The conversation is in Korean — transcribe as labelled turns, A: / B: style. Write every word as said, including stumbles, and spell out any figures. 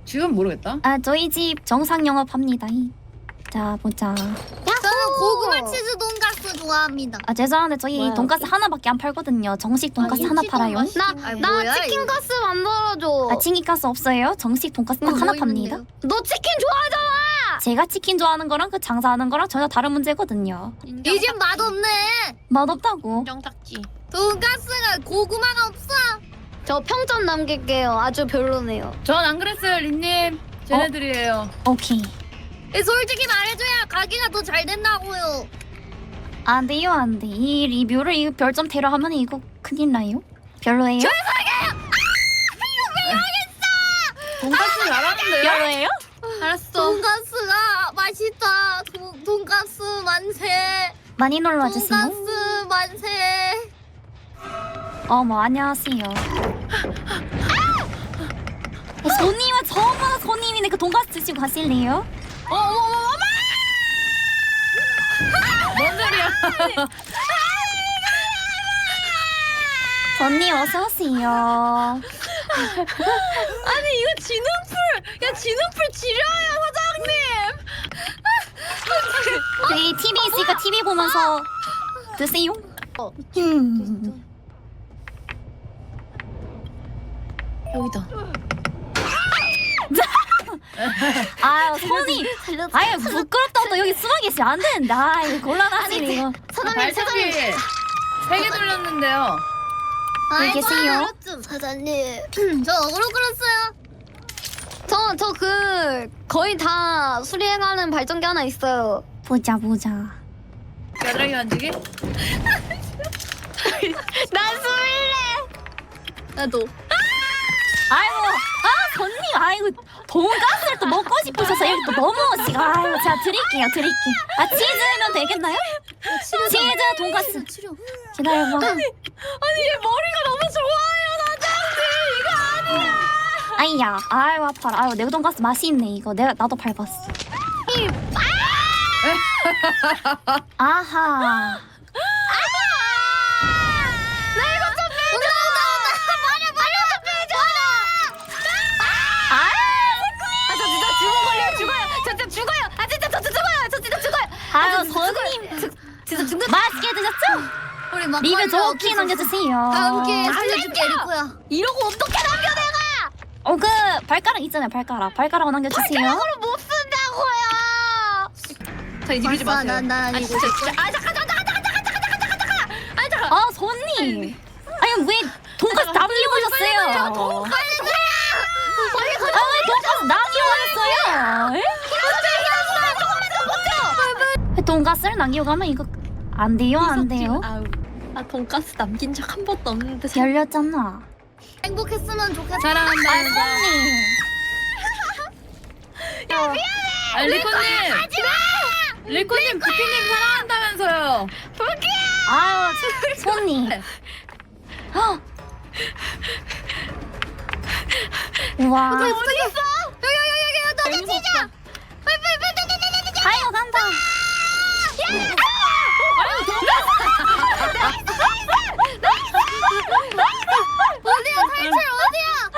A: 지금 모르겠다.
B: 아 저희 집 정상 영업합니다. 자 보자.
C: 저는 고구마 치즈 돈가스 좋아합니다.
B: 아 죄송한데 저희
C: 뭐야?
B: 돈가스 하나밖에 안 팔거든요. 정식 돈가스
C: 아,
B: 하나
C: 김치도
B: 팔아요.
C: 맛있-
D: 나,
C: 아니,
D: 나
C: 뭐야,
D: 치킨
C: 이거.
D: 가스 만들어줘.
B: 아 치킨가스 없어요? 정식 돈가스 딱
C: 어,
B: 하나
C: 뭐
B: 팝니다.
C: 있는데요?
D: 너 치킨 좋아하잖아.
B: 제가 치킨 좋아하는 거랑 그 장사하는 거랑 전혀 다른 문제거든요.
C: 이 집 맛없네.
B: 맛없다고.
D: 인정딱지.
C: 돈가스가 고구마가 없어.
D: 저 평점 남길게요. 아주 별로네요.
A: 전 안 그랬어요, 린님. 쟤네들이에요.
B: 오케이.
C: 이 솔직히 말해줘야 가게가 더 잘 된다고요.
B: 안 돼요 안 돼. 이 리뷰를 이 별점 테러 하면 이거 큰일 나요. 별로예요?
A: 돈가스 잘하는데요?
B: 별로예요?
D: 알았어.
C: 돈가스가 맛있다. 돈, 돈가스 만세.
B: 많이 놀러 와주세요.
C: 돈가스 만세.
B: 어머 안녕하세요. 어, 손님은 처음 보는 손님이네. 그 돈가스 드시고 가실래요?
A: 어, 어머, 어머, 어머! 뭔 소리야?
B: 손님 어서 오세요.
D: 아니 이거 진흥풀. 야 진흥풀 지려요 사장님.
B: 저희 티비 있으니까 티비 보면서 드세요. 음.
D: 여기다.
B: 아유 손이 아유 부끄럽다고 또 여기 숨어 계시면 안 되는데. 아유 곤란하시네 이거.
C: 사장님, 사장님.
A: 발차기 세개 돌렸는데요.
B: 왜 계세요?
C: 사장님. 저 어그로 끌었어요.
D: 저 저 그 거의 다 수리해가는 발전기 하나 있어요.
B: 보자 보자.
A: 겨드랑이 만지기?
D: 난 수리래. 나도.
B: 아이고 아 손님 아이고 돈가스를 또 먹고 싶으셔서 여기 또 넘어오시고. 아이고 제가 드릴게요 드릴게요. 아 치즈면 되겠나요? 치즈 돈가스
C: 치료.
B: 기다려봐.
D: 아니 얘 머리가 너무 좋아요 사장님. 이거 아니야.
B: 아이야 아이고 아파라. 아이고 내 돈가스 맛이 있네 이거. 내가 나도 밟았어. 아하.
D: 나 이거 좀 빼줘.
C: 말해, 말해, 빼줘.
B: 아
D: 아 저 진짜 죽어 걸려 죽어요. 저 진짜 죽어요. 아 진짜 저 진짜 죽어요. 저 진짜 죽어요.
B: 아유
D: 저 진짜
B: 손님
D: 진짜 죽는.
B: 맛있게 드셨죠?
C: 우리 막
B: 리뷰 좋게 남겨주세요.
C: 다음 기회에
D: 안
C: 살려줄게,
D: 남겨!
C: 리코야.
D: 이러고 어떻게 남겨 내가?
B: 어 그 발가락 있잖아요 발가락. 발가락 남겨주세요.
D: 발가락으로 못 쓴다고요. 자 이제 밀지
C: 벌써
D: 마세요.
C: 난- 난
D: 아
C: 이거
D: 진짜 진짜. 아 잠깐 잠깐 잠깐 잠깐 잠깐 잠깐 잠깐 잠깐. 아 잠깐.
B: 아 손님. 아니 왜 돈가스 남기고 오셨어요?
D: 빨리 가. 빨리 가.
B: 아왜 돈가스 남기고 오셨어요? 에?
D: 조금만 더 버텨.
B: 왜 돈가스를 남기고 가면 이거 안 돼요 안 돼요?
D: 아우. 아 돈가스 남긴 적 한 번도 없는데.
B: 열렸잖아.
C: 행복했으면 좋겠다.
B: 아
A: 사랑한다.
B: 손님.
D: 야 미안해.
A: 아, 리코님! 리코님, 부키님 사랑한다면서요.
B: 아유 손님. 헉. 우와.
C: 어디 있어? 여기, 여기, 여기, 여기, 너네 치자.
B: 아유 간다.
C: 어디야, 탈출 어디야?